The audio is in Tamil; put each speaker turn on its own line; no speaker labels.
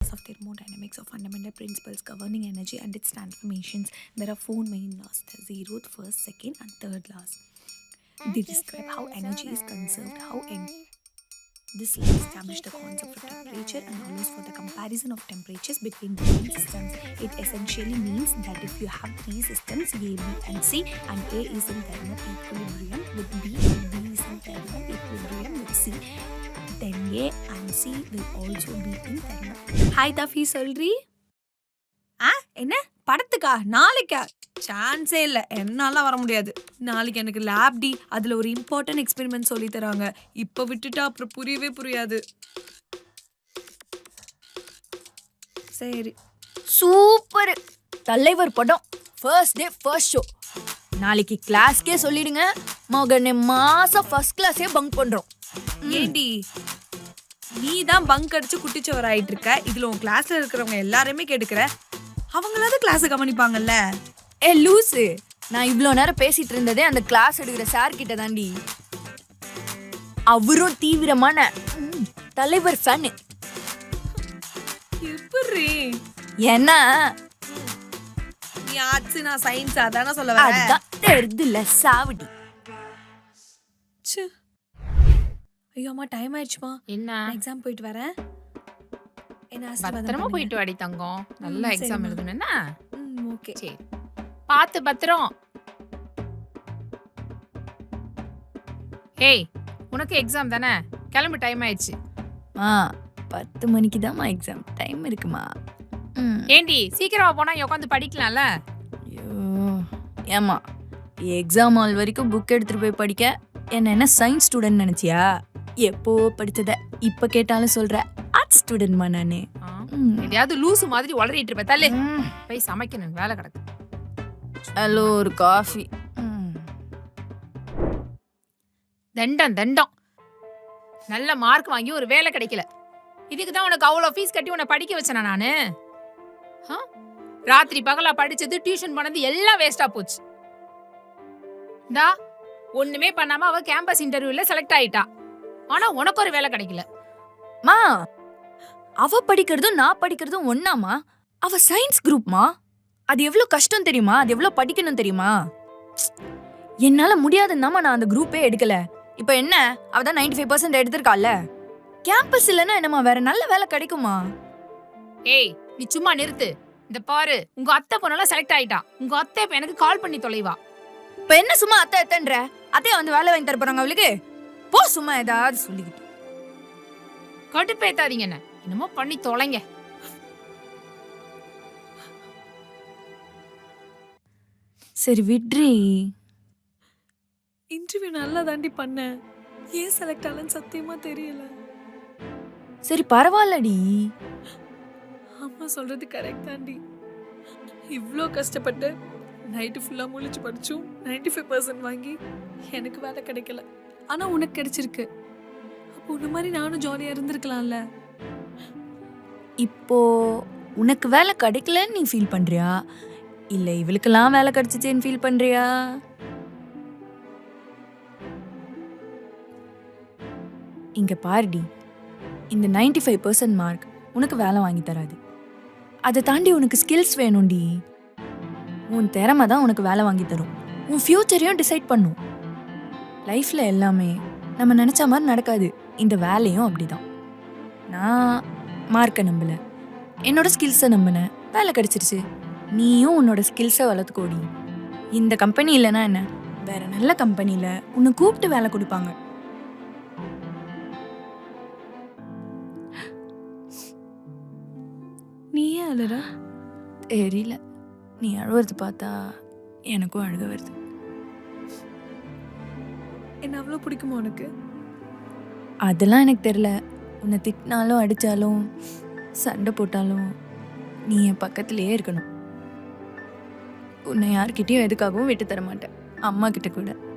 laws of thermodynamics are fundamental principles governing energy and its transformations. There are four main laws: the zeroth, first, second, and third laws. They describe how energy is conserved, this law establishes the concept of temperature and allows for the comparison of temperatures between different systems. It essentially means that if you have three systems, A, B, and C, and A is in thermal equilibrium with B and B is in thermal equilibrium with C, then A and C will also be in thermal. Hi, Tafi, சொல்றீ? என்ன படத்துக்கா? நாளைக்கா? சான்ஸே இல்லை, என்னால வர முடியாது. நாளைக்கு எனக்கு லேப் டி, அதில் ஒரு இம்பார்ட்டன்ட் எக்ஸ்பெரிமெண்ட் சொல்லி தராங்க. இப்போ விட்டுட்டா அப்புறம் புரியவே புரியாது. சரி.
சூப்பர் தலைவர் படம், ஃபர்ஸ்ட் டே ஃபர்ஸ்ட் ஷோ. நாளைக்கு கிளாஸ்க்கே சொல்லிடுங்க, மகனே மாசம் ஃபர்ஸ்ட் கிளாஸே பங்க் பண்றோம்.
ஏண்டி நீ தான் பங்க் அடிச்சு குட்டிச்சவர் ஆயிட்டு இருக்க, இதுல உன் கிளாஸ்ல இருக்கிறவங்க எல்லாருமே கேட்டுக்கிற, அவங்களாவது கிளாஸ் கவனிப்பாங்கல்ல.
லூசு, நான் இவ்வளோ நேரம் பேசிட்டு இருந்ததே அந்த கிளாஸ் எடுக்கிற சார் கிட்ட தாண்டி. அவரும் தீவிரமான தலைவர் ஃபேனு.
எப்படி?
ஏன்னா
நீ ஆர்ட்ஸ், நான் சயின்ஸ், அதான சொல்ல வர.
அதான் தெரிதுல சாவடி.
ஐயோ அம்மா, டைம் ஆயிடுச்சுமா.
என்ன
எக்ஸாம் போயிட்டு வரேன். என்ன
பத்திரமா போயிட்டு வாடி தங்கம், நல்ல எக்ஸாம் எழுதணும்னா.
ஓகே,
சரி, பார்த்து பத்திரம். ஏய், உனக்கு எக்ஸாம் தானே, கிளம்பு, டைம் ஆயிடுச்சு.
10 மணிக்கு தான்மா எக்ஸாம், டைம் இருக்குமா?
ஏண்டி சீக்கிரமா போனா உட்காந்து படிக்கலாம்ல.
ஐயோ ஏமா, எக்ஸாம் ஹால் வரைக்கும் புக் எடுத்துட்டு போய் படிக்க என்ன சயின்ஸ் ஸ்டூடெண்ட் நினைச்சியா? எப்போ படிச்சத இப்ப கேட்டாலும் சொல்ற ஆர்ட்ஸ் ஸ்டூடெண்ட்மா நானே.
எதையாவது லூசு மாதிரி உளறிட்டு இருப்ப. தள்ளு, போய் சமைக்கணும், வேலை கிடக்கு.
ஹலோ, ஒரு காஃபி.
தண்டம் தண்டம், நல்ல மார்க் வாங்கி ஒரு வேலை கிடைக்கல, இதுக்கு தான் உனக்கு அவ்வளோ ஃபீஸ் கட்டி உன்னை படிக்க வச்சேனா நானு? ராத்திரி பகலா படிச்சது, டியூஷன் பண்ணது எல்லாம் வேஸ்டா போச்சு. டா, ஒண்ணுமே பண்ணாம அவ கேம்பஸ் இன்டர்வியூல செலக்ட் ஆயிட்டா, ஆனா உனக்கு ஒரு வேலை கிடைக்கல.
மா, அவ படிக்கிறதும் நான் படிக்கிறதும் ஒண்ணாமா? அவ சயின்ஸ் குரூப்மா, அது எவ்வளவு கஷ்டம் தெரியுமா? அது எவ்வளவு படிக்கணும் தெரியுமா? என்னால முடியாதுன்னாமா நான் அந்த குரூப்பே எடுக்கல. இப்ப என்ன, அவதான் 95% எடுத்திருக்கால. கேம்பஸ் இல்லைன்னா என்னமா வேற நல்ல வேலை கிடைக்குமா?
ஏய், நீ சும்மா நிறுத்து. இந்த பாரு, உங்க அத்தை பொண்ணெல்லாம் செலக்ட் ஆயிட்டா. உங்க அத்தை இப்ப எனக்கு கால் பண்ணி தொலைவா.
இப்ப என்ன சும்மா அத்தை அத்தைன்ற? அத்தைய வந்து வேலை வாங்கி தர போறாங்க அவளுக்கு? போ, சும்மா ஏதாவது சொல்லிக்கிட்டு.
கடுப்பேத்தாதீங்க, என்ன என்னமோ பண்ணி தொலைங்க.
சரி விட்ரி.
இன்டர்வியூ நல்லா தாண்டி பண்ணேன், ஏன் செலக்ட் ஆகலன்னு சத்தியமா தெரியல.
சரி பரவாயில்லடி,
அம்மா சொல்றது கரெக்ட் தாண்டி. இவ்வளோ கஷ்டப்பட்டு நைட்டு ஃபுல்லாக முழிச்சு படிச்சும் 95% வாங்கி எனக்கு வேலை கிடைக்கல. ஆனால் உனக்கு கிடைச்சிருக்கு. அப்போ உன்ன மாதிரி நானும் ஜாலியாக இருந்திருக்கலாம்ல.
இப்போ உனக்கு வேலை கிடைக்கலன்னு நீ ஃபீல் பண்றியா, இல்ல இவளுக்கெல்லாம் வேலை கிடைச்சிச்சேன்னு ஃபீல் பண்றியா? இங்க பாருடி, இந்த 95% மார்க் உனக்கு வேலை வாங்கி தராது. அதை தாண்டி உனக்கு ஸ்கில்ஸ் வேணும்டி. உன் திறமை தான் உனக்கு வேலை வாங்கி தரும், உன் ஃபியூச்சரையும் டிசைட் பண்ணும். லைஃப்ல எல்லாமே நம்ம நினைச்ச மாதிரி நடக்காது, இந்த வேலையும் அப்படிதான். நான் மார்க்கை நம்பல, என்னோட ஸ்கில்ஸை நம்பினேன், வேலை கிடைச்சிருச்சு. நீயும் உன்னோட ஸ்கில்ஸை வளர்த்துக்கோடி. இந்த கம்பெனி இல்லைன்னா என்ன, வேற நல்ல கம்பெனியில உன்னை கூப்பிட்டு வேலை கொடுப்பாங்க.
நீ ஏன் அழுற?
தெரியல, நீ அழுவது பார்த்தா எனக்கும் அழுக வருது.
என்ன அவ்வளோ பிடிக்குமா உனக்கு?
அதெல்லாம் எனக்கு தெரியல. உன்னை திட்டினாலும் அடித்தாலும் சண்டை போட்டாலும் நீ என் பக்கத்துலேயே இருக்கணும். உன்னை யார்கிட்டயும் எதுக்காகவும் விட்டு தர மாட்டேன், அம்மா கிட்ட கூட.